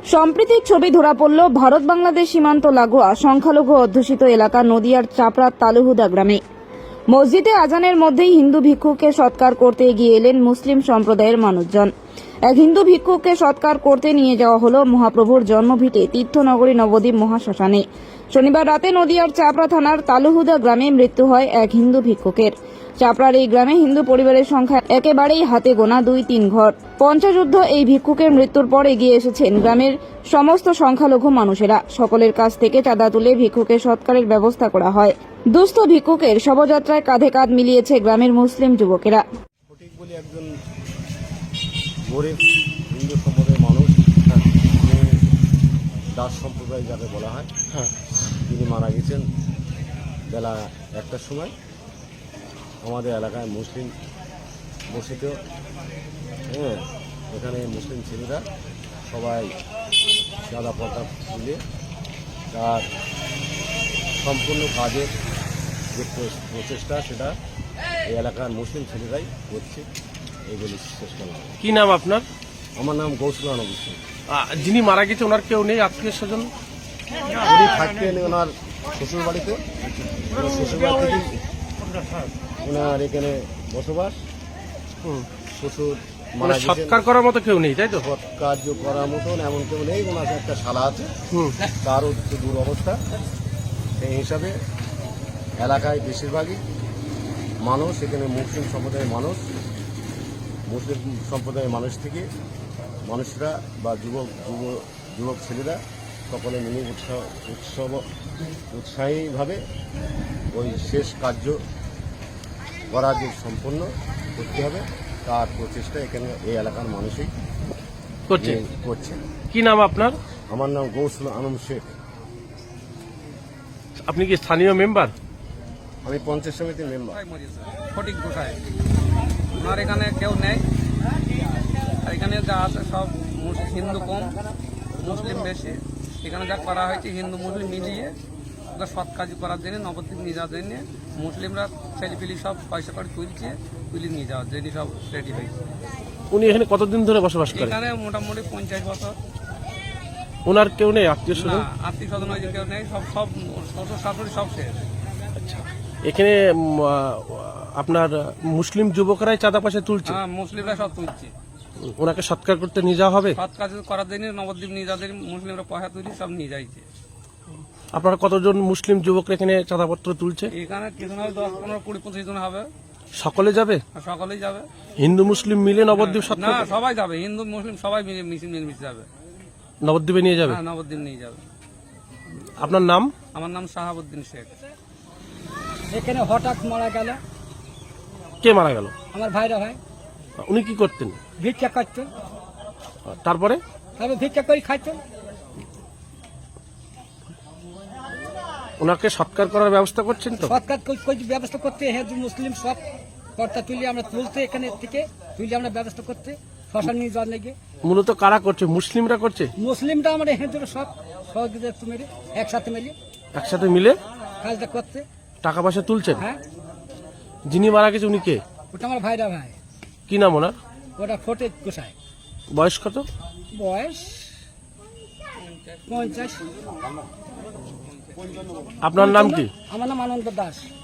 সম্প্রীতির ছবি ধরা পড়ল ভারত বাংলাদেশ সীমান্ত লাগোয়া সংখ্যালঘু অধ্যুষিত এলাকা নদিয়ার চাপড়ার তালুহুদা গ্রামে। মসজিদে আজানের মধ্যেই হিন্দু ভিক্ষুককে সৎকার করতে এগিয়ে এলেন মুসলিম সম্প্রদায়ের মানুষজন। এক হিন্দু ভিক্ষুককে সৎকার করতে নিয়ে যাওয়া হল মহাপ্রভুর জন্মভিটে তীর্থনগরী নবদ্বীপ মহাশ্মশানে। শনিবার রাতে নদিয়ার চাপড়া থানার তালুহুদা গ্রামে মৃত্যু হয় এক হিন্দু ভিক্ষুকের। চাপড়ার এই গ্রামে হিন্দু পরিবারের সংখ্যা একেবারেই হাতে গোনা 2-3 ঘর। পঞ্চযুদ্ধ এই ভিক্ষুকের মৃত্যুর পর এগিয়ে এসেছেন গ্রামের সমস্ত সংখ্যালঘু মানুষেরা। সকলের কাছ থেকে চাঁদা তুলে ভিক্ষুকের সৎকারের ব্যবস্থা করা হয়। দুস্থ ভিক্ষুকের শবযাত্রায় কাঁধে কাঁধ মিলিয়েছে গ্রামের মুসলিম যুবকেরা। ফটিক বলে একজন গরিব হিন্দু সম্প্রদায়ের মানুষ, দাস সম্প্রদায় যাকে বলা হয়, তিনি মারা গেছেন বেলা 1টার সময়। আমাদের এলাকায় মুসলিম বসিত, এখানে মুসলিম ছেলেরা সবাই সাদা পর্দা তুলে তার সম্পূর্ণ কাজের যে প্রচেষ্টা সেটা এই এলাকার মুসলিম ছেলেরাই করছে। এইগুলি শেষ করলাম। কি নাম আপনার? আমার নাম গৌসুল আনন্দ সিং। যিনি মারা গেছে ওনার কেউ নেই আত্মীয় স্বজন? উনি থাকতেন ওনার শ্বশুর বাড়িতে, শ্বশুর বাড়ি থেকে ওনার এখানে বসবাস। শ্বশুর মারা গেছেন, সৎকার করার মতো কেউ নেই, তাই তো? কার্য করার মতন এমন কেউ নেই। ওনার একটা শালা আছে, তারও একটু দূর অবস্থা। সেই হিসাবে এলাকায় বেশিরভাগই মানুষ, এখানে মুসলিম সম্প্রদায়ের মানুষ, মুসলিম সম্প্রদায়ের মানুষ থেকে মানুষরা বা যুবক ছেলেরা সকলে মিলে উৎসাহীভাবে ওই শেষ কার্য করা যে সম্পন্ন করতে হবে তার প্রচেষ্টা এখানে এই এলাকার মানুষই করছে। কি নাম আপনার? আমার নাম গৌসুল আনন্দ শেখ। আপনি কি স্থানীয় মেম্বার? আমি পঞ্চায়েত সমিতির মেম্বার। ফটিক গোসাই, ওনার এখানে কেউ নেই। আর এখানে যা আছে সব হিন্দু কম, মুসলিম বেশি। এখানে যা করা হয়েছে হিন্দু মুসলিম মিলিয়ে ওটা সৎ কাজ করার জন্য, নবদ্বীপ নিয়ে যাওয়ার জন্য মুসলিমরা ছেলেপিলি সব পয়সা করে তুলে নিয়ে যাওয়ার জন্য সব রেডি হয়েছে। উনি এখানে কতদিন ধরে বসবাস করেন? এখানে মোটামুটি 50 বছর। ওনার কেউ নেই আত্মীয় স্বজন? আত্মীয় স্বজন হয়েছে কেউ নেই, সব শ্বশুর শাশুড়ি সব শেষ। আচ্ছা, এখানে আপনার মুসলিম যুবকরাই চাঁদা পয়সা তুলছে? হ্যাঁ, মুসলিমরা সব তুলছে। ওনাকে সৎকার করতে নিয়ে যাওয়া হবে? সৎ কাজ করার জন্য নবদ্বীপ নিয়ে যাওয়ার জন্য মুসলিমরা পয়সা তুলি সব নিয়ে যাইছে। আপনারা কতজন মুসলিম যুবক এখানে চাঁদাপত্র তুলছে? এখানে কিছু না 10, 15, 20, 25 জন হবে। সকলে যাবে? সকলেই যাবে। হিন্দু মুসলিম মিলে নবদ্বীপ সৎকার? না, সবাই যাবে, হিন্দু মুসলিম সবাই মিশে যাবে। নবদ্বীপে নিয়ে যাবে? হ্যাঁ, নবদ্বীপ নিয়ে যাবে। আপনার নাম? আমার নাম শাহাবুদ্দিন শেখ। এখানে হঠাৎ মারা গেল। কে মারা গেল? আমার ভাইরা ভাই। উনি কি করতেন? ভিক্ষা করতেন, তারপরে ভিক্ষা করে খাইতেন। ওনাকে সৎকার করার ব্যবস্থা করছেন তো? সৎকার ব্যবস্থা করতে হিন্দু মুসলিম সব কর্তা তুলি আমরা তুলতে, এখানে থেকে তুলি আমরা ব্যবস্থা করতে শ্মশান নিয়ে যাওয়ার লেগে। মূলত কারা করছে? মুসলিমরা করছে? মুসলিমরা আমরা হিন্দুরা সব সহযোগিতা মিলে একসাথে মিলে কাজটা করতে। টাকা পয়সা তুলছেন? হ্যাঁ। যিনি মারা গেছে উনি কে? ওটা আমার ভাইরা ভাই। কি নাম ওনার? ওটা ফটিক গোসাই। বয়স কত? বয়স 50। আপনার নাম কি? আমার নাম আনন্দ দাস।